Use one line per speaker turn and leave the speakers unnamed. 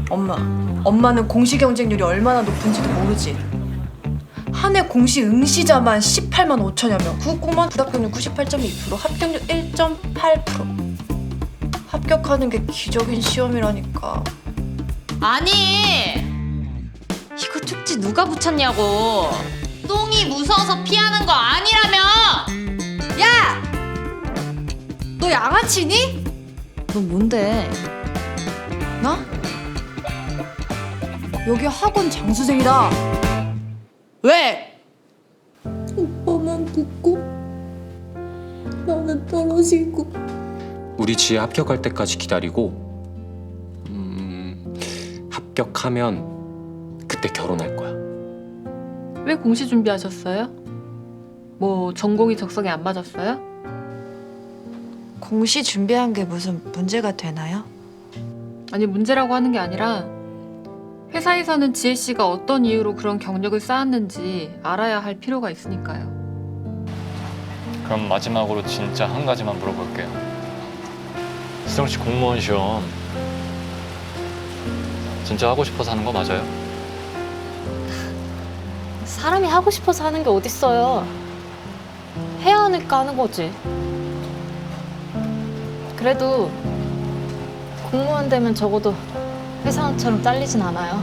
엄마는 공시 경쟁률이 얼마나 높은지도 모르지. 한 해 공시 응시자만 18만 5천여 명, 국공무원 불합격률 98.2%, 합격률 1.8%. 합격하는 게 기적인 시험이라니까.
아니, 이거 쪽지 누가 붙였냐고. 똥이 무서워서 피하는 거 아니라며.
야! 너 양아치니?
너 뭔데?
나? 여기 학원 장수생이다. 왜?
오빠만 붙고 나는 떨어지고.
우리 지혜 합격할 때까지 기다리고 합격하면 그때 결혼할 거야.
왜 공시 준비하셨어요? 뭐 전공이 적성에 안 맞았어요?
공시 준비한 게 무슨 문제가 되나요?
아니 문제라고 하는 게 아니라 회사에서는 지혜 씨가 어떤 이유로 그런 경력을 쌓았는지 알아야 할 필요가 있으니까요.
그럼 마지막으로 진짜 한 가지만 물어볼게요. 수정 씨 공무원 시험 진짜 하고 싶어서 하는 거 맞아요?
사람이 하고 싶어서 하는 게 어딨어요. 해야 하니까 하는 거지. 그래도 공무원 되면 적어도 회사원처럼 잘리진 않아요.